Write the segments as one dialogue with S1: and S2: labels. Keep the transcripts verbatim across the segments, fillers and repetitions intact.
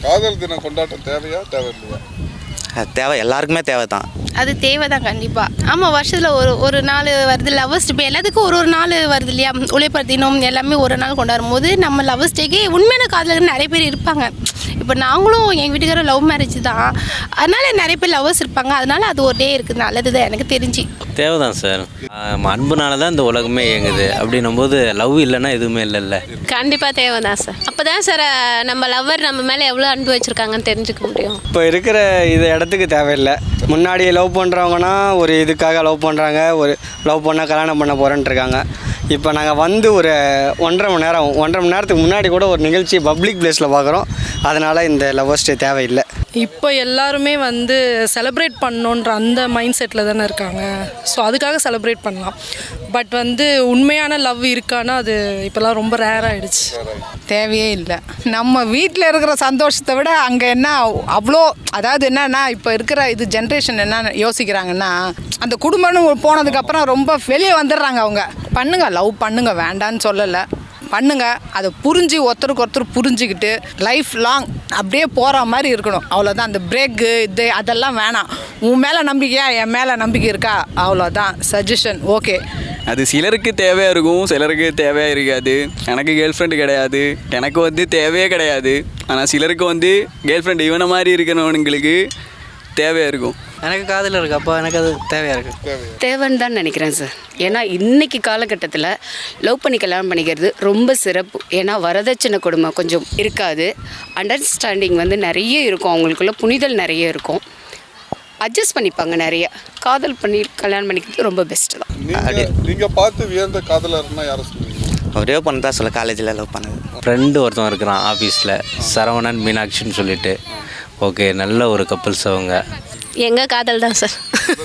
S1: காதல் தினம் கொண்டாட்டம் தேவையா தேவையில்லையா?
S2: அது தேவை, எல்லாருக்குமே தேவை தான்.
S3: அது தேவை தான் கண்டிப்பாக. ஆமாம், வருஷத்தில் ஒரு ஒரு நாள் வருது லவ்வர்ஸ் டே. எல்லாத்துக்கும் ஒரு ஒரு நாள் வருது இல்லையா? உழைப்பர் தினம் எல்லாமே ஒரு நாள் கொண்டாடும் போது நம்ம லவ்வர்ஸ் டேக்கே உண்மையான காதலர்கள் நிறைய பேர் இருப்பாங்க. இப்போ நாங்களும் எங்கள் வீட்டுக்கார லவ் மேரேஜ் தான், அதனால் நிறைய பேர் லவ்வர்ஸ் இருப்பாங்க. அதனால் அது ஒரு டே இருக்குது, நல்லது தான் எனக்கு தெரிஞ்சு.
S4: தேவை தான் சார். அன்புனால தான் இந்த உலகமே இயங்குது. அப்படின்னும் போது லவ் இல்லைன்னா எதுவுமே இல்லைல்ல.
S5: கண்டிப்பாக தேவை தான் சார். அப்போ தான் சார் நம்ம லவ்வர் நம்ம மேலே எவ்வளோ அன்பு வச்சுருக்காங்கன்னு தெரிஞ்சுக்க முடியும்.
S6: இப்போ இருக்கிற இது இடத்துக்கு தேவையில்லை. முன்னாடி லவ் பண்ணுறவங்கன்னா ஒரு இதுக்காக லவ் பண்ணுறாங்க, ஒரு லவ் பண்ணால் கல்யாணம் பண்ண போகிறேன்ட்டு இருக்காங்க. இப்போ நாங்கள் வந்து ஒரு ஒன்றரை மணி நேரம் ஒன்றரை மணி நேரத்துக்கு முன்னாடி கூட ஒரு நிகழ்ச்சி பப்ளிக் பிளேஸில் பார்க்குறோம். அதனால் இந்த லவ்வர்ஸ் டே தேவையில்லை.
S7: இப்போ எல்லாருமே வந்து செலிப்ரேட் பண்ணணுன்ற அந்த மைண்ட் செட்டில் தானே இருக்காங்க. ஸோ அதுக்காக செலிப்ரேட் பண்ணலாம். பட் வந்து உண்மையான லவ் இருக்கான்னா அது இப்போலாம் ரொம்ப ரேர் ஆகிடுச்சு.
S8: தேவையே இல்லை. நம்ம வீட்டில் இருக்கிற சந்தோஷத்தை விட அங்கே என்ன அவ்வளோ, அதாவது என்னன்னா இப்போ இருக்கிற இது ஜென்ரேஷன் என்ன யோசிக்கிறாங்கன்னா, அந்த குடும்பம்னு போனதுக்கப்புறம் ரொம்ப வெளியே வந்துடுறாங்க. அவங்க பண்ணுங்க, லவ் பண்ணுங்க, வேண்டான்னு சொல்லலை, பண்ணுங்க. அதை புரிஞ்சு ஒருத்தருக்கு ஒருத்தர் புரிஞ்சுக்கிட்டு லைஃப் லாங் அப்படியே போகிற மாதிரி இருக்கணும். அவ்வளோதான். அந்த பிரேக்கு இது அதெல்லாம் வேணாம். உன் மேலே நம்பிக்கையா, என் மேலே நம்பிக்கை இருக்கா, அவ்வளோதான் சஜஷன். ஓகே,
S9: அது சிலருக்கு தேவையாக இருக்கும், சிலருக்கு தேவையாக இருக்காது. எனக்கு கேர்ள் ஃப்ரெண்டு கிடையாது, எனக்கு வந்து தேவையே கிடையாது. ஆனால் சிலருக்கு வந்து கேர்ள் ஃப்ரெண்டு இவனை மாதிரி இருக்கணுங்களுக்கு தேவையாக இருக்கும்.
S6: எனக்கு காதல் இருக்குது, அப்போ எனக்கு அது தேவையாக இருக்குது.
S10: தேவைன்னு தான் நினைக்கிறேன் சார். ஏன்னா இன்றைக்கி காலகட்டத்தில் லவ் பண்ணி கல்யாணம் பண்ணிக்கிறது ரொம்ப சிறப்பு. ஏன்னா வரதட்சணை கொடுமை கொஞ்சம் இருக்காது, அண்டர்ஸ்டாண்டிங் வந்து நிறைய இருக்கும், அவங்களுக்குள்ள புனிதல் நிறைய இருக்கும், அட்ஜஸ்ட் பண்ணிப்பாங்க நிறைய. காதல் பண்ணி கல்யாணம் பண்ணிக்கிறது ரொம்ப பெஸ்ட்டு தான்.
S1: நீங்கள் பார்த்து வியந்த காதலர்னா யாரை சொல்லுவீங்க?
S2: ஒரே பொண்ணு தான் சொல்ல, காலேஜில் லவ் பண்ணது.
S4: ஃப்ரெண்டு ஒருத்தன் இருக்கிறான் ஆஃபீஸில், சரவணன் மீனாட்சின்னு சொல்லிட்டு. ஓகே, நல்ல ஒரு கப்புள்ஸ் அவங்க.
S5: எங்கள் காதல் தான் சார்.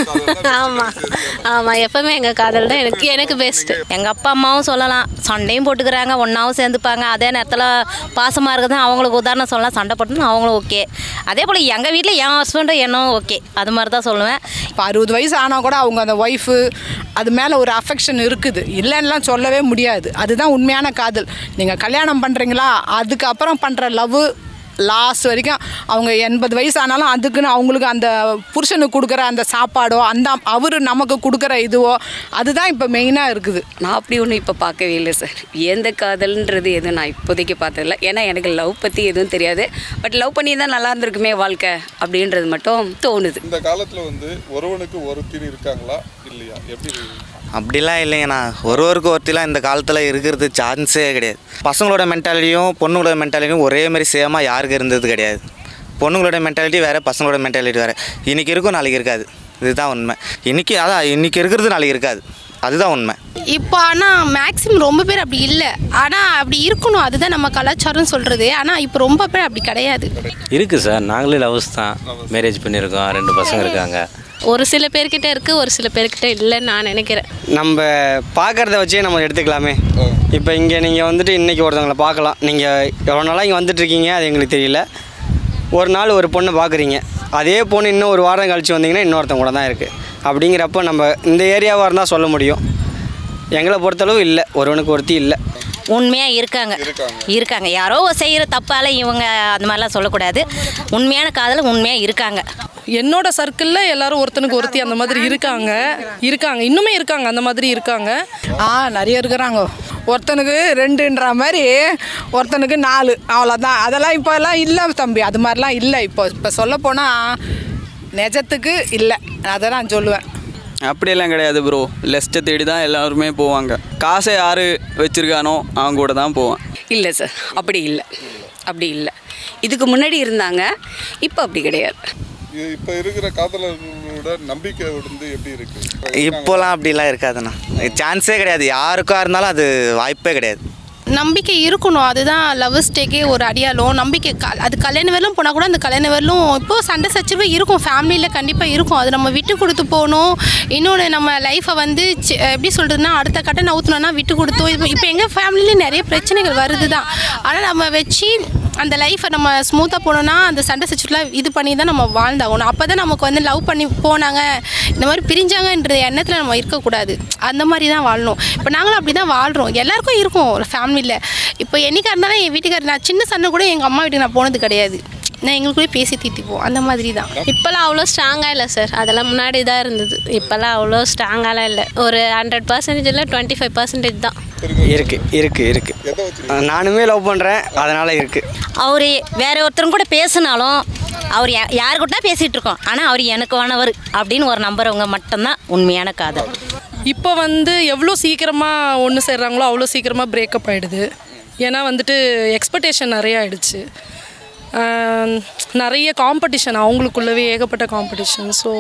S5: ஆமாம் ஆமாம், எப்போவுமே எங்கள் காதல் தான் எனக்கு எனக்கு பெஸ்ட்டு.
S11: எங்கள் அப்பா அம்மாவும் சொல்லலாம், சண்டையும் போட்டுக்கிறாங்க, ஒன்றாவும் சேர்ந்துப்பாங்க. அதே நேரத்தில் பாசமாக இருக்குது அவங்களுக்கு உதாரணம் சொல்லலாம், சண்டை போட்டுன்னு அவங்களும் ஓகே. அதே போல் எங்கள் வீட்டில் என் ஹஸ்பண்டும் என்னும் ஓகே, அது மாதிரி தான் சொல்லுவேன்.
S8: இப்போ அறுபது வயசு ஆனால் கூட அவங்க அந்த ஒய்ஃபு அது மேலே ஒரு அஃபெக்ஷன் இருக்குது, இல்லைன்னுலாம் சொல்லவே முடியாது. அதுதான் உண்மையான காதல். நீங்கள் கல்யாணம் பண்ணுறீங்களா, அதுக்கப்புறம் பண்ணுற லவ் லாஸ்ட் வரைக்கும். அவங்க எண்பது வயசு ஆனாலும் அதுக்குன்னு அவங்களுக்கு அந்த புருஷனுக்கு கொடுக்குற அந்த சாப்பாடோ, அந்த அவர் நமக்கு கொடுக்குற இதுவோ, அதுதான் இப்போ மெயினாக இருக்குது.
S10: நான் அப்படி ஒன்றும் இப்போ பார்க்கவே இல்லை சார். எந்த காதல்ன்றது எதுவும் நான் இப்போதைக்கு பார்த்ததில்ல. ஏன்னா எனக்கு லவ் பற்றி எதுவும் தெரியாது. பட் லவ் பண்ணி தான் நல்லா இருந்திருக்குமே வாழ்க்கை அப்படின்றது மட்டும் தோணுது.
S1: இந்த காலத்தில் வந்து ஒருவனுக்கு ஒருத்தி இருக்காங்களா இல்லையா, எப்படி?
S2: அப்படிலாம் இல்லைங்கண்ணா. ஒருவருக்கு ஒருத்திலாம் இந்த காலத்தில் இருக்கிறது சான்ஸே கிடையாது. பசங்களோட மென்டாலிட்டியும் பொண்ணுங்களோட மென்டாலிட்டியும் ஒரே மாதிரி சேமாக யாருக்கு இருந்தது கிடையாது. பொண்ணுங்களோட மென்டாலிட்டி வேறு, பசங்களோட மென்டாலிட்டி வேறு. இன்றைக்கி இருக்கும், நாளைக்கு இருக்காது. இதுதான் உண்மை. இன்றைக்கி அதான் இன்றைக்கி இருக்கிறது நாளைக்கு இருக்காது, அதுதான் உண்மை.
S3: இப்போ ஆனால் மேக்ஸிமம் ரொம்ப பேர் அப்படி இல்லை. ஆனால் அப்படி இருக்கணும், அதுதான் நம்ம கலாச்சாரம் சொல்கிறது. ஆனால் இப்போ ரொம்ப பேர் அப்படி கிடையாது.
S4: இருக்குது சார், நாங்களே லவ்ஸ் தான், மேரேஜ் பண்ணியிருக்கோம், ரெண்டு பசங்க இருக்காங்க.
S5: ஒரு சில பேர்கிட்ட இருக்குது, ஒரு சில பேர்கிட்ட இல்லைன்னு நான் நினைக்கிறேன்.
S6: நம்ம பார்க்குறத வச்சே நம்ம எடுத்துக்கலாமே. இப்போ இங்கே நீங்கள் வந்துட்டு இன்றைக்கி ஒருத்தவங்களை பார்க்கலாம். நீங்கள் எவ்வளோ நாளாக இங்கே வந்துட்டுருக்கீங்க அது எங்களுக்கு தெரியல. ஒரு நாள் ஒரு பொண்ணை பார்க்குறீங்க, அதே பொண்ணு இன்னும் ஒரு வாரம் கழித்து வந்தீங்கன்னா இன்னொருத்தவங்க கூட தான் இருக்குது. அப்படிங்கிறப்ப நம்ம இந்த ஏரியாவாக இருந்தால் சொல்ல முடியும். எங்களை பொறுத்தளவு இல்லை, ஒருவனுக்கு ஒருத்தி இல்லை.
S11: உண்மையாக இருக்காங்க இருக்காங்க யாரோ செய்கிற தப்பால் இவங்க அந்த மாதிரிலாம் சொல்லக்கூடாது. உண்மையான காதல் உண்மையாக இருக்காங்க.
S7: என்னோட சர்க்கிளில் எல்லாரும் ஒருத்தனுக்கு ஒருத்தி அந்த மாதிரி இருக்காங்க இருக்காங்க இன்னுமே இருக்காங்க, அந்த மாதிரி இருக்காங்க.
S8: ஆ நிறைய இருக்கிறாங்க. ஒருத்தனுக்கு ரெண்டுன்ற மாதிரி, ஒருத்தனுக்கு நாலு, அவ்வளோதான். அதெல்லாம் இப்போ எல்லாம் இல்லை தம்பி, அது மாதிரிலாம் இல்லை. இப்போ இப்போ சொல்லப்போனால் நிஜத்துக்கு இல்லை, அதை நான் சொல்லுவேன்.
S9: அப்படியெல்லாம் கிடையாது ப்ரோ. லெஸ்ட்டை தேடி தான் எல்லாருமே போவாங்க. காசை யார் வச்சுருக்கானோ அவங்க கூட தான் போவான்.
S10: இல்லை சார், அப்படி இல்லை, அப்படி இல்லை. இதுக்கு முன்னாடி இருந்தாங்க, இப்போ அப்படி கிடையாது.
S1: இப்போ இருக்கிற காதலர்களோட நம்பிக்கை வந்து எப்படி இருக்குது?
S2: இப்போலாம் அப்படிலாம் இருக்காதுண்ணா, சான்ஸே கிடையாது. யாருக்காக இருந்தாலும் அது வாய்ப்பே கிடையாது.
S3: நம்பிக்கை இருக்கணும், அதுதான் லவ்வர்ஸ் டேக்கே ஒரு அடியாலும். நம்பிக்கை க அது கல்யாண வரலும் போனால் கூட அந்த கல்யாண வரலும் இப்போது சண்டை சச்சரவு இருக்கும், ஃபேமிலியில் கண்டிப்பாக இருக்கும். அது நம்ம விட்டு கொடுத்து போகணும். இன்னொன்று நம்ம லைஃப்பை வந்து எப்படி சொல்கிறதுனா, அடுத்த கட்ட நவுத்தணும்னா விட்டு கொடுத்தோம். இப்போ இப்போ எங்கள் ஃபேமிலியில் நிறைய பிரச்சனைகள் வருது தான். ஆனால் நம்ம வச்சு அந்த லைஃப்பை நம்ம ஸ்மூத்தாக போனோன்னா அந்த சண்டை சச்சரவுலாம் இது பண்ணி தான் நம்ம வாழ்ந்தாகணும். அப்போ தான் நமக்கு வந்து லவ் பண்ணி போனாங்க, இந்த மாதிரி பிரிஞ்சாங்கன்ற எண்ணத்தில் நம்ம இருக்கக்கூடாது. அந்த மாதிரி தான் வாழணும். இப்போ நாங்களும் அப்படி தான் வாழ்கிறோம். எல்லாருக்கும் இருக்கும் ஒரு ஃபேமிலியில். இப்போ என்னைக்காக இருந்தாலும் என் வீட்டுக்காரர், நான் சின்ன சண்டை கூட எங்கள் அம்மா வீட்டுக்கு நான் போனது கிடையாது. நான் எங்களுக்குள்ளே பேசி தீர்த்திப்போம் அந்த மாதிரி தான்.
S5: இப்போல்லாம் அவ்வளோ ஸ்ட்ராங்காக இல்லை சார், அதெல்லாம் முன்னாடி தான் இருந்தது. இப்போல்லாம் அவ்வளோ ஸ்ட்ராங்காலாம் இல்லை, ஒரு ஹண்ட்ரட் பர்சன்டேஜ் இல்லை டுவெண்ட்டி ஃபைவ் பர்சன்டேஜ் தான்
S6: இருக்குது இருக்குது இருக்குது நானுமே லவ் பண்ணுறேன், அதனால் இருக்குது.
S11: அவர் வேற ஒருத்தரும் கூட பேசினாலும் அவர் யா யாருக்கிட்ட பேசிகிட்டு இருக்கோம், ஆனால் அவர் எனக்கு வானவர் அப்படின்னு ஒரு நம்புறவங்க மட்டும்தான் உண்மையான காதல்.
S7: இப்போ வந்து எவ்வளோ சீக்கிரமாக ஒன்று சேர்றாங்களோ அவ்வளோ சீக்கிரமாக பிரேக்கப் ஆகிடுது. ஏன்னா வந்துட்டு எக்ஸ்பெக்டேஷன் நிறைய ஆகிடுச்சு, நிறைய காம்படிஷன், அவங்களுக்குள்ளவே ஏகப்பட்ட காம்படிஷன். ஸோ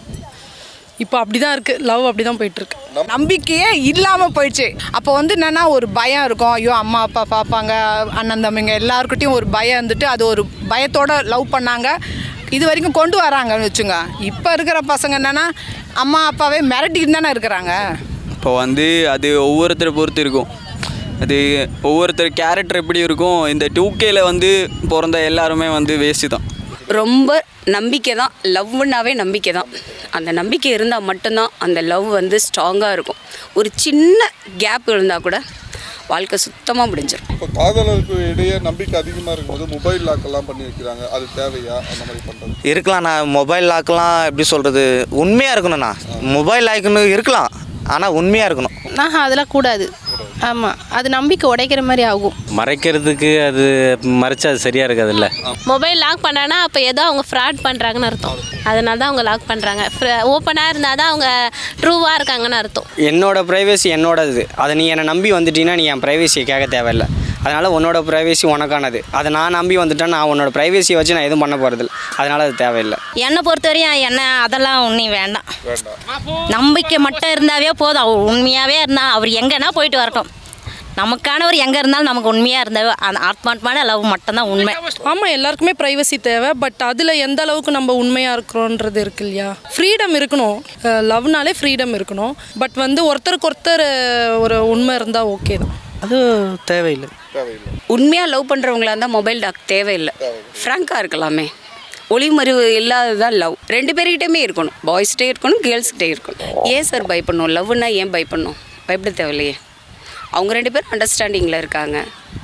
S7: இப்போ அப்படி தான் இருக்குது, லவ் அப்படி தான் போயிட்டுருக்கு.
S8: நம்பிக்கையே இல்லாமல் போயிடுச்சு. அப்போ வந்து என்னென்னா ஒரு பயம் இருக்கும், ஐயோ அம்மா அப்பா பார்ப்பாங்க, அண்ணன் தம்பிங்க எல்லாருக்கிட்டையும் ஒரு பயம் இருந்துட்டு அது ஒரு பயத்தோடு லவ் பண்ணாங்க, இது வரைக்கும் கொண்டு வராங்கன்னு வச்சுங்க. இப்போ இருக்கிற பசங்க என்னென்னா அம்மா அப்பாவே மிரட்டிட்டு தானே இருக்கிறாங்க.
S9: இப்போ வந்து அது ஒவ்வொருத்தரை பொறுத்து இருக்கும், அது ஒவ்வொருத்தர் கேரக்டர் எப்படி இருக்கும். இந்த டூ கேல வந்து பிறந்த எல்லாருமே வந்து வேஸ்ட்டு தான்.
S10: ரொம்ப நம்பிக்கை தான், லவ்னாவே நம்பிக்கை தான். அந்த நம்பிக்கை இருந்தால் மட்டும்தான் அந்த லவ் வந்து ஸ்ட்ராங்காக இருக்கும். ஒரு சின்ன கேப் இருந்தால் கூட வாழ்க்கை சுத்தமாக முடிஞ்சிடும்.
S1: இப்போ காதலருக்கு இடையே நம்பிக்கை அதிகமாக இருக்கும்போது மொபைல் லாக்கெல்லாம் பண்ணி வைக்கிறாங்க, அது தேவையா? அந்த மாதிரி பண்ணுறது
S2: இருக்கலாம். நான் மொபைல் லாக்கெலாம் எப்படி சொல்கிறது, உண்மையாக இருக்கணும்ண்ணா. மொபைல் லாக்குன்னு இருக்கலாம், ஆனால் உண்மையாக இருக்கணும்.
S3: ஆஹா அதெல்லாம் கூடாது. ஆமாம், அது நம்பிக்கை உடைக்கிற மாதிரி ஆகும்.
S4: மறைக்கிறதுக்கு அது மறைச்சா அது சரியாக இருக்காதுல்ல.
S5: மொபைல் லாக் பண்ணானா அப்போ ஏதோ அவங்க ஃப்ராட் பண்ணுறாங்கன்னு அர்த்தம், அதனால தான் அவங்க லாக் பண்ணுறாங்க. ஓப்பனாக இருந்தால் தான் அவங்க ட்ரூவாக இருக்காங்கன்னு அர்த்தம்.
S6: என்னோட ப்ரைவேசி என்னோடது, அதை நீ என்னை நம்பி வந்துட்டீங்கன்னா நீ என் ப்ரைவேசியை கேட்க தேவையில்லை. அதனால் உன்னோட ப்ரைவேசி உனக்கானது, அதை நான் நம்பி வந்துட்டேன், நான் உன்னோட ப்ரைவேசியை வச்சு நான் எதுவும் பண்ண போகிறதில்ல, அதனால் அது தேவையில்லை.
S11: என்னை பொறுத்தவரையும் என்ன அதெல்லாம் ஒன்றும் வேண்டாம். நம்பிக்கை மட்டும் இருந்தாவே போதும். அவர் உண்மையாகவே இருந்தால் அவர் எங்கன்னா போயிட்டு வரட்டும், நமக்கானவர் எங்கே இருந்தாலும் நமக்கு உண்மையாக இருந்தாவே அந்த ஆத்மாத்மான லவ் மட்டும்தான் உண்மை.
S7: ஆமாம், எல்லாருக்குமே ப்ரைவசி தேவை. பட் அதில் எந்த அளவுக்கு நம்ம உண்மையாக இருக்கிறோன்றது இருக்கு இல்லையா. ஃப்ரீடம் இருக்கணும், லவ்னாலே ஃப்ரீடம் இருக்கணும். பட் வந்து ஒருத்தருக்கு ஒருத்தர் ஒரு உண்மை இருந்தால் ஓகே தான்,
S6: அது தேவையில்லை.
S10: உண்மையாக லவ் பண்ணுறவங்களா இருந்தால் மொபைல் டாக் தேவையில்லை, ஃப்ராங்காக இருக்கலாமே. ஒளிமறைவு இல்லாததான் லவ். ரெண்டு பேர்கிட்டயுமே இருக்கணும், பாய்ஸ்கிட்டே இருக்கணும், கேர்ள்ஸ்கிட்டே இருக்கணும். ஏன் சார் பயப்படணும்? லவ்னா ஏன் பயப்படணும்? பயப்பட தேவையில்லையே. அவங்க ரெண்டு பேரும் அண்டர்ஸ்டாண்டிங்கில் இருக்காங்க,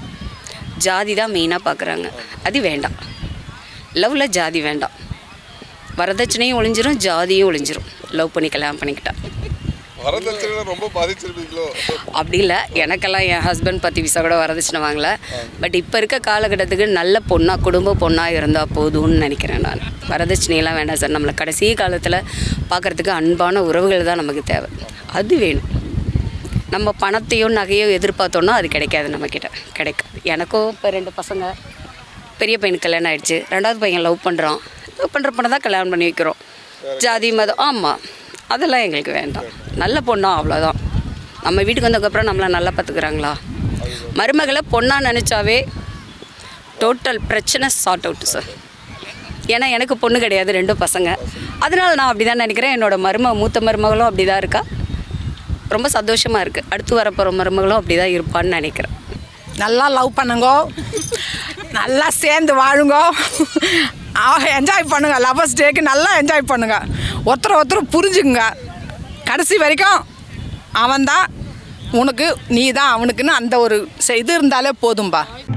S10: ஜாதி தான் மெயினாக பார்க்குறாங்க, அது வேண்டாம். லவ்வில் ஜாதி வேண்டாம், வரதட்சணையும் ஒழிஞ்சிரும், ஜாதியும் ஒழிஞ்சிரும். லவ் பண்ணி கல்யாணம் பண்ணிக்கிட்டா
S1: வரதட்சணை ரொம்ப பாதிச்சிருப்பீங்களோ?
S10: அப்படி இல்லை, எனக்கெல்லாம் என் ஹஸ்பண்ட் பத்து விசா கூட வரதட்சணை வாங்கலை. பட் இப்போ இருக்க காலகட்டத்துக்கு நல்ல பொண்ணாக குடும்ப பொண்ணாக இருந்தால் போதும்னு நினைக்கிறேன் நான். வரதட்சணையெல்லாம் வேண்டாம் சார். நம்மளை கடைசி காலத்தில் பார்க்குறதுக்கு அன்பான உறவுகள் தான் நமக்கு தேவை, அது வேணும். நம்ம பணத்தையோ நகையோ எதிர்பார்த்தோன்னா அது கிடைக்காது, நம்மக்கிட்ட கிடைக்காது. எனக்கும் இப்போ ரெண்டு பசங்க, பெரிய பையனுக்கு கல்யாணம் ஆகிடுச்சு, ரெண்டாவது பையன் லவ் பண்ணுறான். லவ் பண்ணுற பொண்ணை தான் கல்யாணம் பண்ணி வைக்கிறோம். ஜாதி மதம் ஆமாம், அதெல்லாம் எங்களுக்கு வேண்டாம். நல்ல பொண்ணா அவ்வளோதான். நம்ம வீட்டுக்கு வந்ததுக்கப்புறம் நம்மளை நல்லா பார்த்துக்கிறாங்களா? மருமகளை பொண்ணாக நினச்சாவே டோட்டல் பிரச்சனை சார்ட் அவுட்டு சார். ஏன்னா எனக்கு பொண்ணு கிடையாது, ரெண்டும் பசங்க. அதனால் நான் அப்படி தான் நினைக்கிறேன். என்னோடய மரும மூத்த மருமகளும் அப்படி தான் இருக்கா, ரொம்ப சந்தோஷமாக இருக்குது. அடுத்து வரப்போகிற மருமகளும் அப்படி தான் இருப்பான்னு நினைக்கிறேன்.
S8: நல்லா லவ் பண்ணுங்கோ, நல்லா சேர்ந்து வாழுங்கோ, என்ஜாய் பண்ணுங்க. லவ்வர்ஸ் டேக்கு நல்லா என்ஜாய் பண்ணுங்க. ஒருத்தரை ஒருத்தர் புரிஞ்சுக்குங்க. கடைசி வரைக்கும் அவன்தான் உனக்கு, நீ தான் அவனுக்குன்னு அந்த ஒரு இது இருந்தாலே போதும்பா.